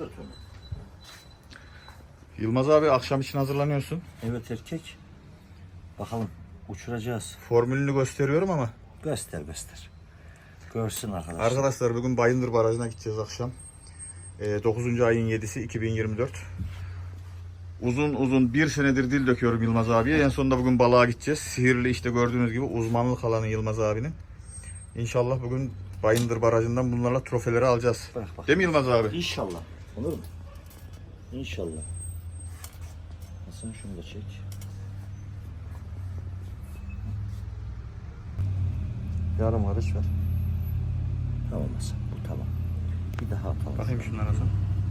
Tut onu. Yılmaz abi akşam için hazırlanıyorsun. Evet erkek. Bakalım uçuracağız. Formülünü gösteriyorum ama. Göster. Görsün arkadaşlar. Arkadaşlar bugün Bayındır Barajı'na gideceğiz akşam. 9. ayın 7'si 2024. Uzun bir senedir dil döküyorum Yılmaz abiye. En sonunda bugün balığa gideceğiz. Sihirli işte gördüğünüz gibi uzmanlık alanı Yılmaz abinin. İnşallah bugün Bayındır Barajı'ndan bunlarla trofeleri alacağız. Bak. Değil mi Yılmaz abi? İnşallah. Olur mu? İnşallah. Hasan şunu da çek. Yarım karış ver. Tamam Hasan. Bu tamam. Bir daha atalım. Bakayım şunlara Hasan.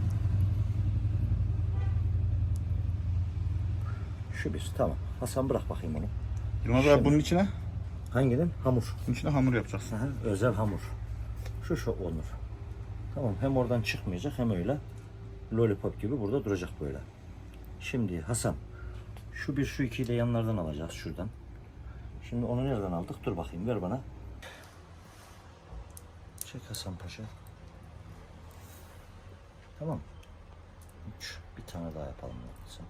Şu bir. Tamam. Hasan bırak bakayım onu. Yılmaz abi bunun içine? Hanginin? Hamur. Bunun içine hamur yapacaksın. Aha, özel hamur. Şu olur. Tamam. Hem oradan çıkmayacak hem öyle. Lollipop gibi burada duracak böyle. Şimdi Hasan. Şu bir şu ikiyi de yanlardan alacağız şuradan. Şimdi onu nereden aldık? Dur bakayım ver bana. Çek Hasan Paşa. Tamam. 3. Bir tane daha yapalım Hasan.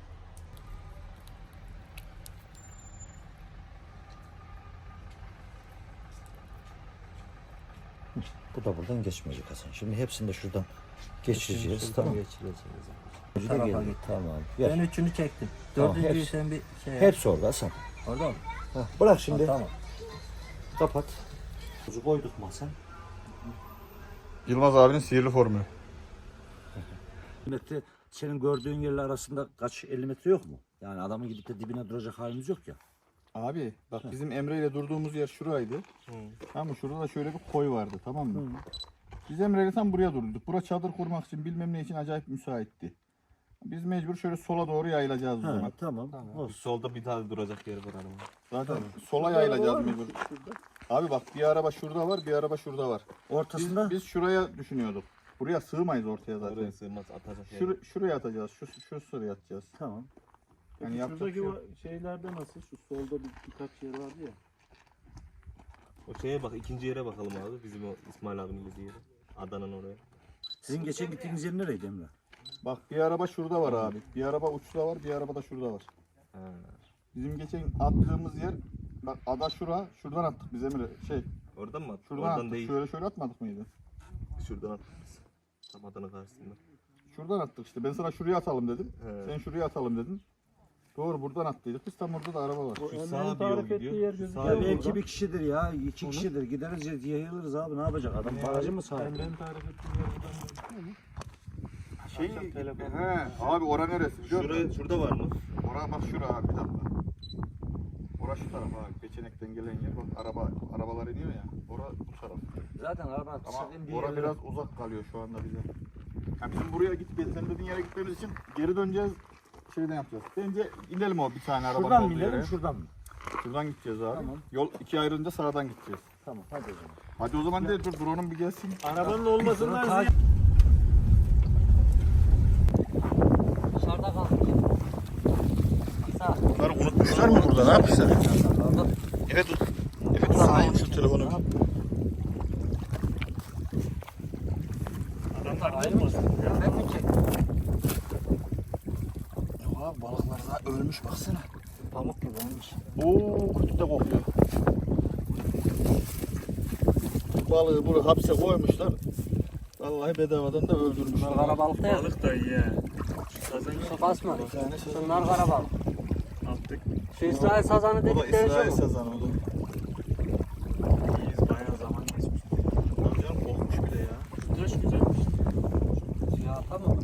Bu da buradan geçmeyecek Hasan. Şimdi hepsini de şuradan geçireceğiz. Tamam. Tamam. Ben üçünü çektim. Dördüncüyü hepsi. sen bir şey yap. Hepsi orada Hasan. Orada mı? Bırak şimdi. Tamam. Kapat. Kuzu koyduk mu Hasan? Yılmaz abinin sihirli formülü. Metre senin gördüğün yerle arasında kaç 50 metre yok mu? Yani adamın gidip de dibine duracak halimiz yok ya. Abi bak bizim Emre ile durduğumuz yer şuraydı. Tamam mı? Şurada da şöyle bir koy vardı, tamam mı? Biz Emre ile tam buraya durduk. Bura çadır kurmak için bilmem ne için acayip müsaitti. Biz mecbur şöyle sola doğru yayılacağız o zaman. Tamam. Olsun. Solda bir tane duracak yer var hanım. Zaten sola yayılacağız mecbur. Abi bak bir araba şurada var, bir araba şurada var. Ortasında Biz şuraya düşünüyorduk. Buraya sığmayız ortaya zaten. Oraya sığmaz atacak yer. Şuraya atacağız. Şu sıraya atacağız. tamam. Yani yapacak bir şey yok. şeylerde nasıl? Şu solda birkaç yer vardı ya. O şeye bak, ikinci yere bakalım abi. Bizim o İsmail abinin dediği yere. Adana'nın oraya. Sizin geçen gittiğiniz yer nereydi Emre? Bak bir araba şurada var abi. Bir araba uçta var, bir araba da şurada var. Ha. Bizim geçen attığımız yer, bak ada şuradan attık biz Emre. Oradan mı attık? Şuradan Oradan attık. değil. Şöyle atmadık mıydı? Şuradan attık biz. Tam Adana karşısında. Şuradan attık işte. Ben sana şuraya atalım dedim. He. Sen şuraya atalım dedin. Doğru buradan attıydık. Biz tam orada da araba var. Şu sağa bir yol gidiyor. yer Şu gözüküyor. sağa Ya bir yol. belki bir kişidir ya. İki kişidir. Gideriz yayılırız abi. Ne yapacak? Adam barajı mı sahip? Emre'nin tarif ettiği yer buradan mı? Abi ora neresi biliyor musun? Şurada var mı? Ora bak şura abi bir dakika. Ora şu taraf abi. Peçenekten gelen yer. Bak arabalar iniyor ya. Ora bu taraf. Zaten araba Ama ora biraz uzak kalıyor şu anda bize. Yani bizim buraya sen dediğin yere gitmemiz için geri döneceğiz. Şeyden yapacağız. Bence inelim o bir tane arabanın Şuradan mı olduğu inelim yere. şuradan mı? Şuradan gideceğiz abi. Tamam. Yol ikiye ayrılınca sağdan gideceğiz. Tamam hadi o zaman. Hadi o zaman değil dur drone'um bir gelsin. Arabanın olmasından Sonra ziyade. Dışarıda kalmış. Sağ. Bunları unutmuşlar mı burada? Ne yapmışlar? Evet tut. Evet tut. Sağ şu telefonu. Adamlar ayrılmasın. Ben mi çektim? Abi balıklar daha ölmüş baksana. Pamuk gibi olmuş. Oo kötü de kokuyor. Balığı buraya hapse koymuşlar. Vallahi bedavadan da öldürmüşler. Bunlar karabalık değil mi? Balık da iyi ya. Sazan Su basma. Bunlar karabalık. attık. Şu İsrail sazanı O da dedikleri İsrail şey bu. sazanı o da. İyiyiz bayağı zaman geçmiş. Tabii canım kokmuş bile ya. Güneş güzelmiş. Ya tamam.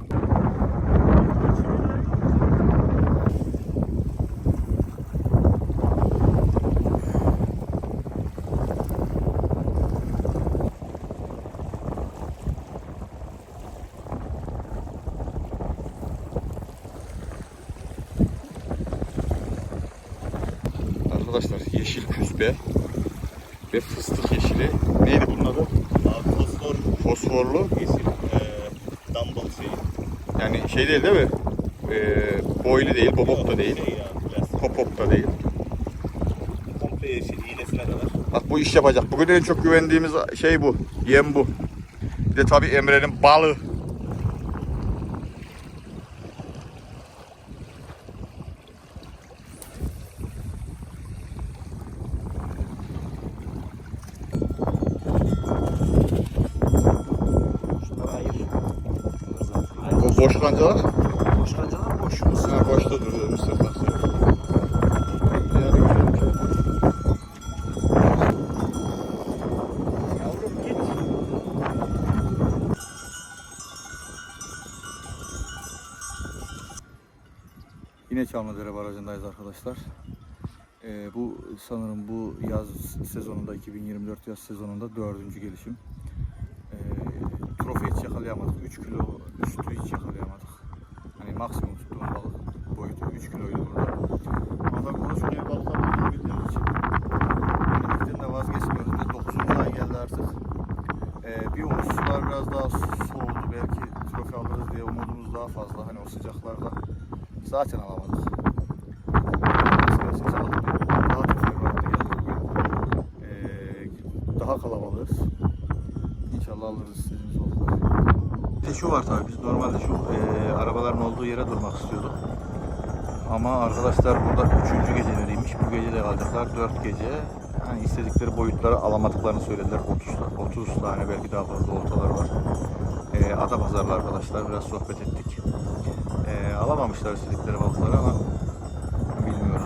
Arkadaşlar yeşil küspe ve fıstık yeşili. Neydi bunun adı? Abi Fosforlu. yeşil. Dumbbell şeyi. Yani şey değil mi? Boylu değil, bobop da değil. Şey ya, plastik. Popop da değil. Komple yeşil. İğnesine kadar. Bak bu iş yapacak. Bugün en çok güvendiğimiz şey bu. Yem bu. Bir de tabii Emre'nin balığı. boş kancalar. Boş kancalar boş. Ha, boşta duruyor mısır taşı. Yani güzelmiş. Yavrum git. Yine Çamlıdere Barajı'ndayız arkadaşlar. Bu sanırım bu yaz sezonunda 2024 yaz sezonunda 4. gelişim. Trofe hiç yakalayamadık. 3 kilo üstü hiç yakalayamadık. Hani maksimum tuttuğum balık boyutu 3 kiloydu burada. Ama tabii ulaşmaya balıklar bildiğimiz için denemekten de vazgeçmiyoruz ve 9. ay geldi artık. Bir umut sular biraz daha soğudu. Belki trofe alırız diye umudumuz daha fazla. Hani o sıcaklarda zaten alamadık. Daha teferruatlı geldik bugün. Daha kalabalığız. İnşallah alırız istediğimiz balıkları. Şu var tabii biz normalde şu arabaların olduğu yere durmak istiyorduk. Ama arkadaşlar burada 3. geceleriymiş. Bu gece de kalacaklar 4 gece. Hani istedikleri boyutları alamadıklarını söylediler. 30 tane belki daha fazla oltalar var. Ada pazarlı arkadaşlar biraz sohbet ettik. Alamamışlar istedikleri balıkları ama bilmiyoruz.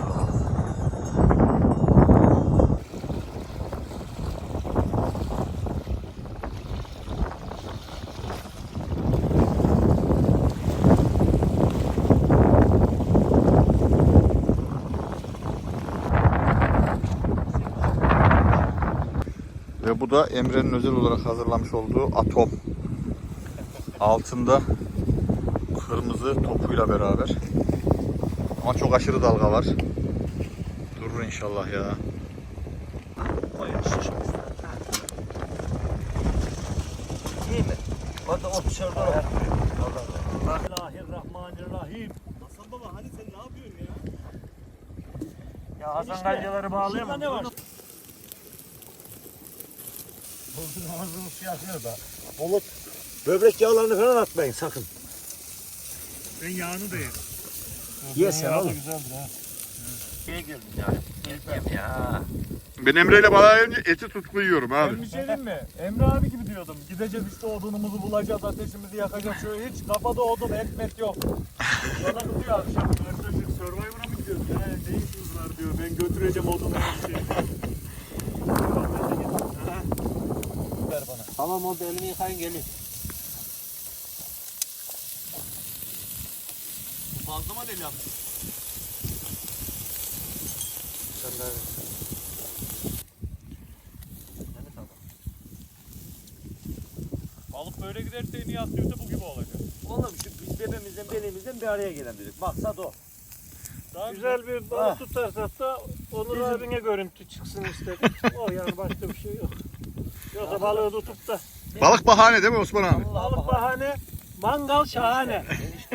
Ve bu da Emre'nin özel olarak hazırlamış olduğu atom. Altında kırmızı topuyla beraber. Ama çok aşırı dalga var. Durur inşallah ya. İyi mi? Hadi o dışarıda bak. Bismillahirrahmanirrahim. Hasan baba hadi sen ne yapıyorsun ya? Ya Hasan kancaları bağlayamam. Ne var? Bozun ağzını suya atıyor da. Bulut böbrek yağlarını falan atmayın sakın. Ben yağını da yerim. Ye sen oğlum. Güzeldir ha. Şeye girdim yani. Yem ya. Ben Emre'yle balığa eti tutku yiyorum abi. Ben bir şey diyeyim mi? Emre abi gibi diyordum. Gideceğiz işte odunumuzu bulacağız, ateşimizi yakacağız. Şöyle hiç kafada odun, ekmek yok. Bana diyor akşam arkadaşlar Survivor'a mı gidiyoruz? Ya ne işiniz var diyor. Ben götüreceğim odunu her şeyi. Ver bana. Tamam oldu, elimi yıkayın gelin. Fazla mı deli yaptın? Balık böyle giderse en iyi aktivite bu gibi olacak. Oğlum şu biz bebemizden belimizden bir araya gelen dedik. Maksat o. Daha güzel bir balık tutarsak da Onur abine görüntü çıksın istedik. O yani başka bir şey yok. Yoksa balığı tutup da Balık bahane değil mi Osman abi? balık bahane, mangal şahane.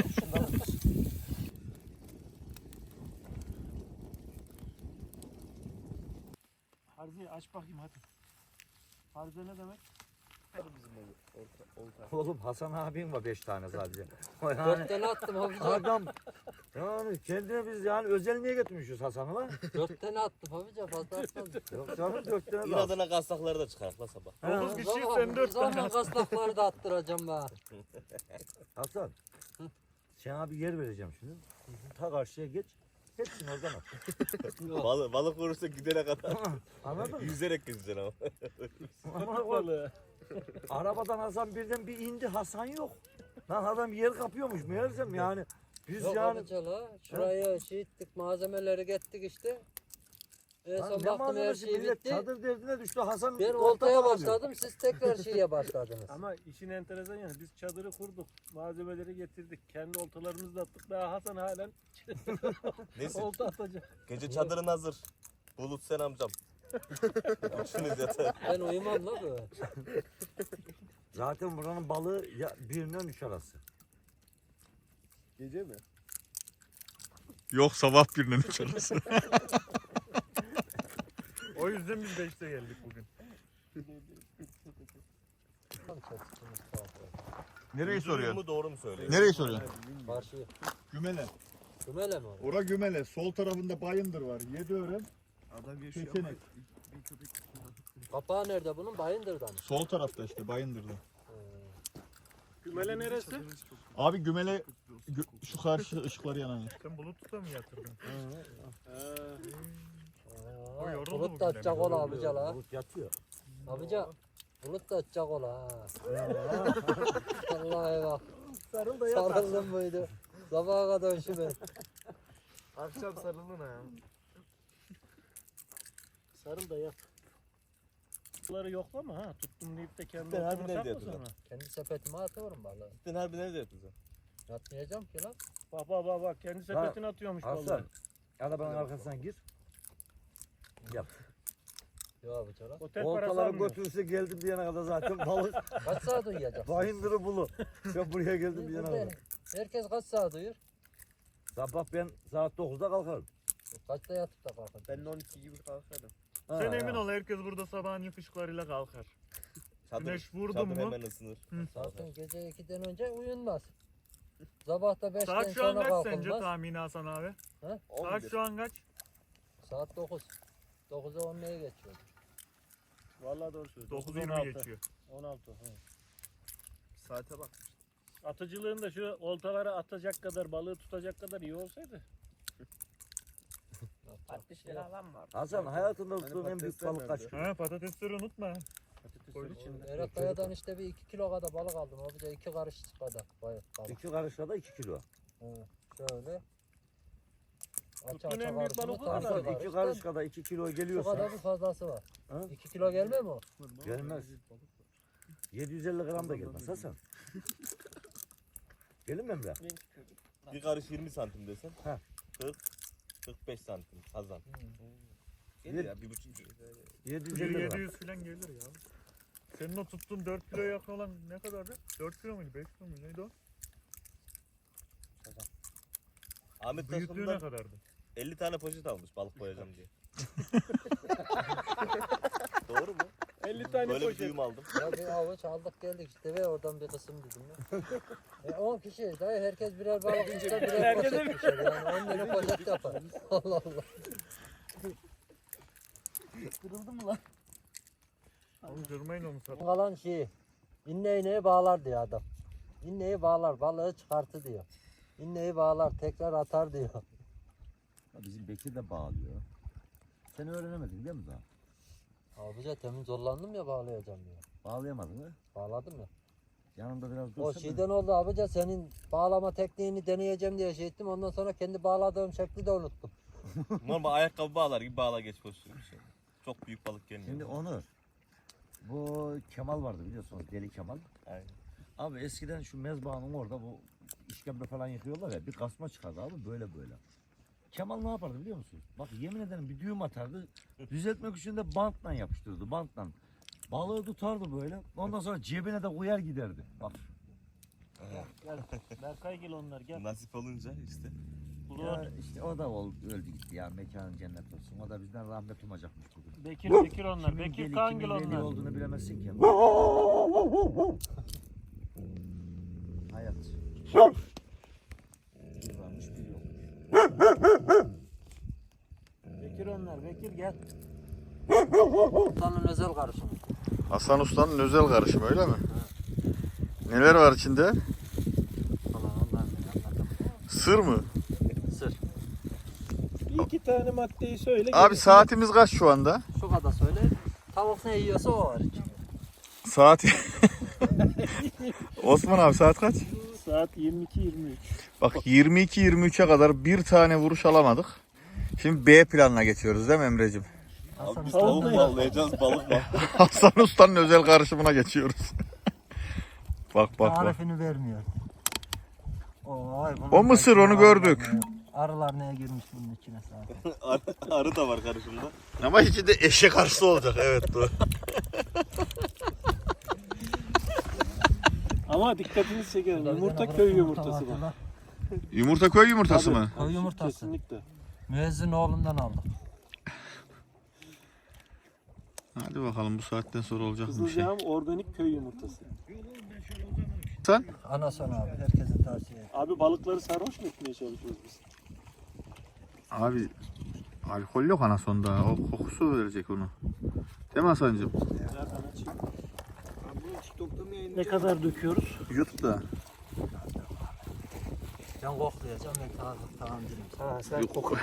Harzi aç bakayım hadi. Harzi ne demek? Oğlum Hasan abim var 5 tane sadece. 4 tane attım Hafize. Adam yani kendine biz yani özel niye getirmişiz Hasan'ı lan? 4 tane attım Hafize, fazla atmadım. Yok canım 4 tane daha. İnadına kastakları da çıkarak la sabah. 9 kişi sen 4 tane Zaman kasnakları da attıracağım ben. Hasan. Sen abi yer vereceğim şimdi. Ta karşıya geç. Hepsini oradan at. Balık vurursa gidene kadar Anladın mı? yüzerek gideceksin ama. Ama balığı. arabadan Hasan birden bir indi. Hasan yok. Lan adam yer kapıyormuş meğersem yani. Biz Yok yani. Hafize la. Şuraya şey ettik, malzemeleri gettik işte. En Lan son ne baktım her malzemesi şey millet bitti. çadır derdine düştü Hasan. Ben olta oltaya bağlıyor. başladım, siz tekrar şeye başladınız. Ama işin enteresan yani biz çadırı kurduk, malzemeleri getirdik, kendi oltalarımızı da attık. Daha Hasan halen Neyse olta atacak. gece çadırın hazır. Bulut sen amcam. Üçünüz yatağa. Ben uyumam la böyle. Zaten buranın balığı ya 1'den 3 arası. Gece mi? Yok sabah birinin içerisi. O yüzden biz 5'te geldik bugün. Nereyi soruyorsun? mu doğru mu söylüyorsun? Nereyi soruyorsun? Karşıya. Gümele. Kümele mi o? Ora Gümele. Sol tarafında Bayındır var. Yediören. Kesenek. Kapağı nerede bunun? Bayındır'da mı? Sol tarafta işte Bayındır'da. Gümele neresi? Abi Gümele şu karşı ışıkları yanan yer. Sen Bulut'ta mı yatırdın? Aa, O yoruldu Bulut bugün da atacak demek. ola abica la. Bulut yatıyor. Abica. Bulut da atacak ola ha. Vallahi bak. Sarıl Sarıldım buydu. Sabaha kadar üşüme. Akşam sarılın ha. Sarıl da yat. Bunları yoklama ha. Tuttum deyip de kendi Ben harbi oturma nerede sakla yatırdım? sonra. Kendi sepetime atıyorum balığı. Sen harbi nerede yatacaksın? Yatmayacağım ki lan. Bak kendi sepetine atıyormuş Hasan. balığı. Arabanın arkasına gir. Yap. Yok abica lan. Otel parası Oltaları almıyor. götürürse geldim diyene kadar zaten balık. Kaç saat uyuyacaksın? Bayındırı bulu. Ben buraya geldim diyene Burada kadar. herkes kaç saat uyur? Sabah ben saat 9'da kalkarım. Kaçta yatıp da kalkın? Ben de 12 gibi kalkarım. Ha, Sen emin ha. ol herkes burada sabahın ışıklarıyla kalkar. Çadır, Güneş vurdu çadır mu? hemen ısınır. Zaten gece 2'den önce uyunmaz. Sabah da 5'ten Saat şu an sonra kaç sence kalkılmaz. tahmini Hasan abi? Saat 11. şu an kaç? Saat 9. 9'a 10'a geçiyor. Vallahi doğru söylüyorsun. 9:20 geçiyor. 16. Saate bak. Atıcılığın da şu oltalara atacak kadar, balığı tutacak kadar iyi olsaydı. 60 lira alan var. Hasan hayatında tuttuğun en büyük balık kaç kilo? Ha patatesleri unutma. Patatesler içinde. Erat Kaya'dan işte bir 2 kilo kadar balık aldım. O bir de 2 karış kadar balık. 2 karışla da 2 kilo. Şöyle. Tuttun en büyük balık o kadar. Hasan 2 karış kadar 2 kilo Şu geliyorsa kadar bir fazlası var. Ha? 2 kilo gelmiyor mu? gelmez. 750 gram da gelmez Hasan. Gelir mi Emre? Bir karış 20 santim desen. Ha. 45 santim kazan. Gelir ya 1,5 kilo. 750 gram. 700 falan gelir ya. Senin o tuttuğun 4 kilo yakın olan ne kadardı? 4 kilo muydu? 5 kilo muydu? Neydi o? Ahmet Büyüklüğü ne Taşkın'dan kadardı? 50 tane poşet almış balık koyacağım diye. Doğru mu? 50 tane Böyle bir poşet. duyum aldım. Ya bir avuç aldık geldik işte ve oradan bir kısım dedim ya. 10 kişi dayı herkes birer balık ister birer Herkese poşet düşer yani 10 tane poşet yapar. Allah Allah. Kırıldı mı lan? Oğlum kırmayın onu satın. Kalan şeyi iğneyi bağlar diyor adam. İğneyi bağlar balığı çıkartı diyor. İğneyi bağlar tekrar atar diyor. Bizim Bekir de bağlıyor. Sen öğrenemedin değil mi daha? Abica temin zorlandım ya bağlayacağım diyor. Bağlayamadın mı? Bağladım ya. Yanında biraz O dursana. şeyden oldu abica senin bağlama tekniğini deneyeceğim diye şey ettim. Ondan sonra kendi bağladığım şekli de unuttum. Normal ayakkabı bağlar gibi bağla geç pozisyonu bir şey. Çok büyük balık gelmiyor. Şimdi Onur, bu Kemal vardı biliyorsunuz, Deli Kemal. Aynen. Abi eskiden şu mezbahanın orada bu işkembe falan yıkıyorlar ya, bir kasma çıkardı abi böyle böyle. Kemal ne yapardı biliyor musunuz? Bak yemin ederim bir düğüm atardı, düzeltmek için de bantla yapıştırdı, bantla. Balığı tutardı böyle, ondan sonra cebine de koyar giderdi. Bak. Berkay gel onlar gel. Nasip olunca işte. Ya işte o da öldü gitti ya, mekanın cennet olsun. O da bizden rahmet umacakmış bugün. Bekir onlar. Kimin Bekir deli, Kangil kimin deli onlar. olduğunu bilemezsin ki. Hayat. Bir varmış, bir yokmuş. Bekir onlar. Bekir gel. Ustanın özel karışımı. Hasan Usta'nın özel karışımı öyle mi? Neler var içinde? Falan ondan Sır mı? Sır. Bir iki tane maddeyi söyle. Abi saatimiz kaç şu anda? Şu kadar söyle. Tavuk ne yiyorsa o var içinde. Saat... Osman abi saat kaç? Saat 22-23. Bak 22-23'e kadar bir tane vuruş alamadık. Şimdi B planına geçiyoruz değil mi Emre'cim? Abi biz Tavuk tavuk mu bağlayacağız balık var. Hasan Usta'nın özel karışımına geçiyoruz. bak bak bak. Tarifini vermiyor. O mısır, onu gördük. Arılar neye girmiş bunun içine zaten. Arı da var karışımda. Ama içinde eşek arısı olacak evet doğru. Ama dikkatinizi çekerim. Yumurta köy yumurtası bu. Yumurta köy yumurtası mı? Köy yumurtası. Kesinlikle. Müezzin oğlundan aldım. Hadi bakalım bu saatten sonra olacak mı bir şey? Kızılcahamam organik köy yumurtası. Sen? Anason abi herkese tavsiye ederim. Abi balıkları sarhoş mu etmeye çalışıyoruz biz? Abi alkol yok anasonda. O kokusu verecek onu. Değil mi Hasan'cığım? Nereden açayım? Abi bunu TikTok'ta mı yayınlıyorsun? Ne kadar döküyoruz? YouTube'da. Can koklayacağım ben tamam dedim. Ha sen Yok. koku.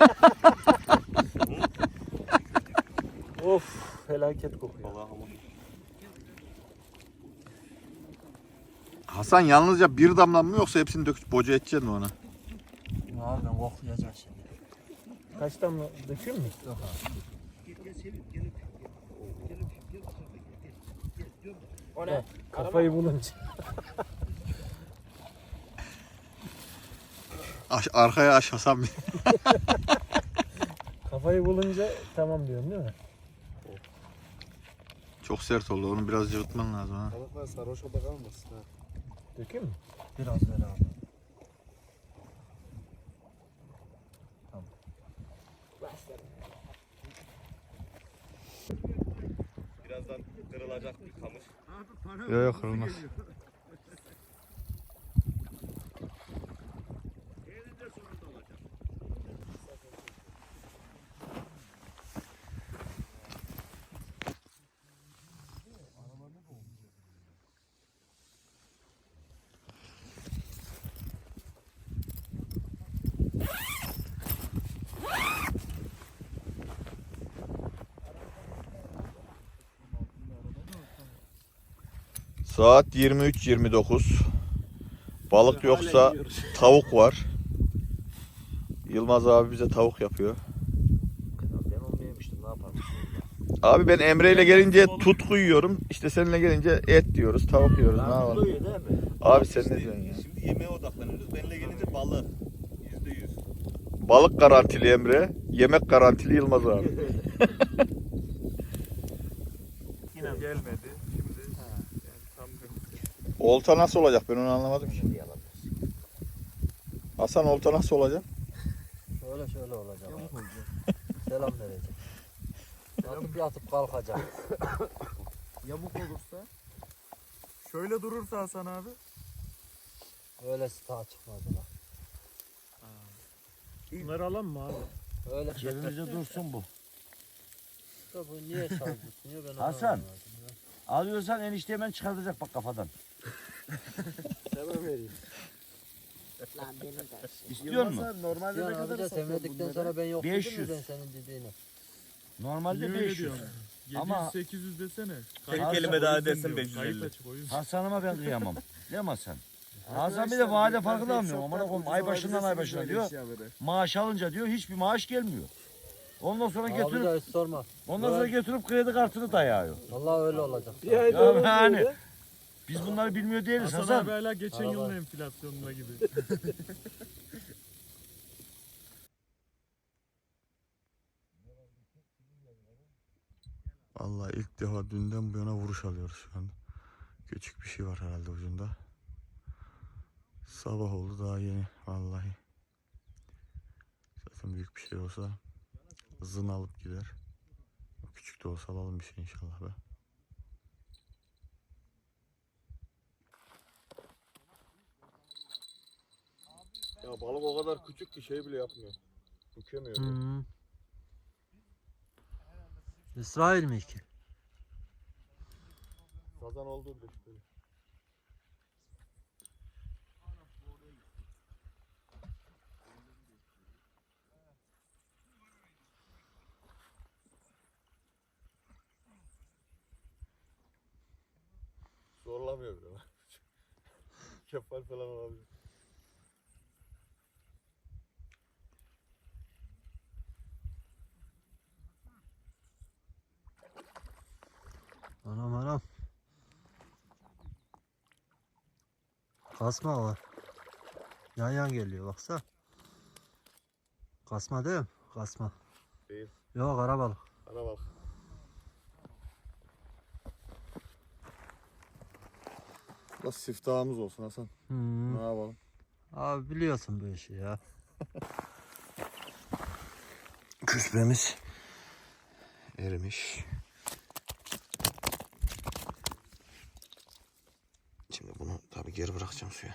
Of felaket kokuyor. Vallahi ama. Hasan yalnızca bir damla mı yoksa hepsini döküp boca edeceksin mi ona? Abi ben koklayacağım şimdi. Kaç damla dökeyim mi? Yok abi. O ne? Kafayı bulunca. Arkaya aç Hasan bir. Kafayı bulunca tamam diyorsun değil mi? Çok sert oldu. Onu biraz cıvıtman lazım ha. Balıklar sarhoşa da kalmasın ha. Dökeyim mi? Biraz ver abi. Birazdan kırılacak bir kamış. Yok yok kırılmaz. Saat 23:29. Balık yoksa tavuk var. Yılmaz abi bize tavuk yapıyor. Ben onu yemiştim, ne yapalım? Abi ben Emre ile gelince tutku yiyorum. İşte seninle gelince et diyoruz, tavuk yiyoruz. Ne yapalım? Duyuyor değil mi? Abi sen ne diyorsun ya? Şimdi yemeğe odaklanıyoruz. Benimle gelince balık. %100. Balık garantili Emre, yemek garantili Yılmaz abi. Yine gelmedi. Şimdi yani tam Olta nasıl olacak ben onu anlamadım ki. Hasan olta nasıl olacak? Şöyle olacak. Selam verecek. Yatıp kalkacak. yamuk olursa. Şöyle durursa Hasan abi. Öylesi daha çıkmaz ulan. Bunları alalım mı abi? Öyle Cebimizde dursun bu. da bu niye saldırtmıyor ben onu Hasan. anlamadım ya. Alıyorsan enişte hemen çıkartacak bak kafadan. Hemen vereyim. Lan benim de. İstiyor musun? Normalde Cihan abi de sevmedikten sonra ben yok dedim 500. mi ben senin dediğini? Normalde 500. Ama 800 desene. Tek kelime daha dersen 550. Hasan'ıma ben kıyamam. Değil mi Hasan? Hasan bir de vade farkı da almıyor. Aman koyayım ay başından ay başına diyor. Maaş alınca diyor hiçbir maaş gelmiyor. Ondan sonra Abi getirip de hiç sorma. kredi kartını dayıyor. Vallahi öyle olacak. Bir ay Ya doğru yani diyor. biz bunları bilmiyor değiliz Hasan Hasan. abi hala geçen Araba. yılın enflasyonuna gibi. Vallahi ilk defa dünden bu yana vuruş alıyoruz şu an. Küçük bir şey var herhalde ucunda. Sabah oldu daha yeni vallahi. Zaten büyük bir şey olsa hızını alıp gider. Küçük de olsa alalım bir şey inşallah be. Ya balık o kadar küçük ki şey bile yapmıyor. Bükemiyor. Hı. İsrail mi ki? Sazan olduğu işte. Zorlamıyor bile lan. Kefal falan olabilir. Anam. Kasma var. Yan geliyor baksa. Kasma değil mi? Kasma. Değil. Yok karabalık. Ana bak. Nasıl siftahımız olsun Hasan. Hmm. Ne yapalım? Abi biliyorsun bu işi ya. Küspremiz erimiş. Şimdi bunu tabii geri bırakacağım suya.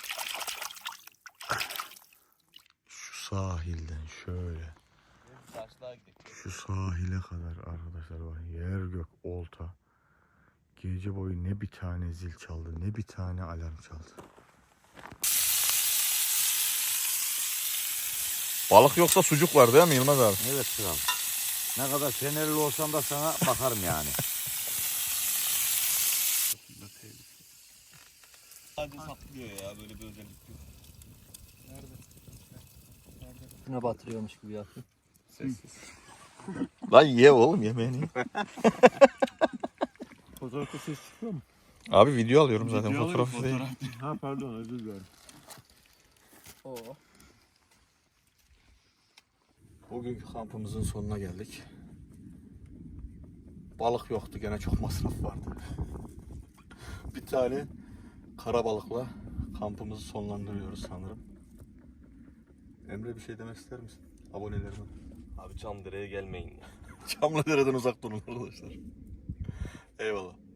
Şu sahilden şöyle daha gidelim. Şu sahile kadar arkadaşlar bak, yer gök olta. Gece boyu ne bir tane zil çaldı, ne bir tane alarm çaldı. Balık yoksa sucuk var değil mi Yılmaz abi? Evet kral. Ne kadar fenerli olsam da sana bakarım yani. Sadece saplıyor ya, böyle bir özellik yok. Şuna batırıyormuş gibi yapıyor. Lan ye oğlum, yemeğini. Fotoğrafta ses çıkıyor mu? Abi video alıyorum zaten, Video fotoğraf alayım, değil. Ha pardon, özür dilerim. Bugünkü kampımızın sonuna geldik. Balık yoktu, gene çok masraf vardı. Bir tane kara balıkla kampımızı sonlandırıyoruz sanırım. Emre, bir şey demek ister misin abonelerime? Abi Çamdere'ye gelmeyin ya. Çamlıdere'den uzak durun arkadaşlar. Eyvallah.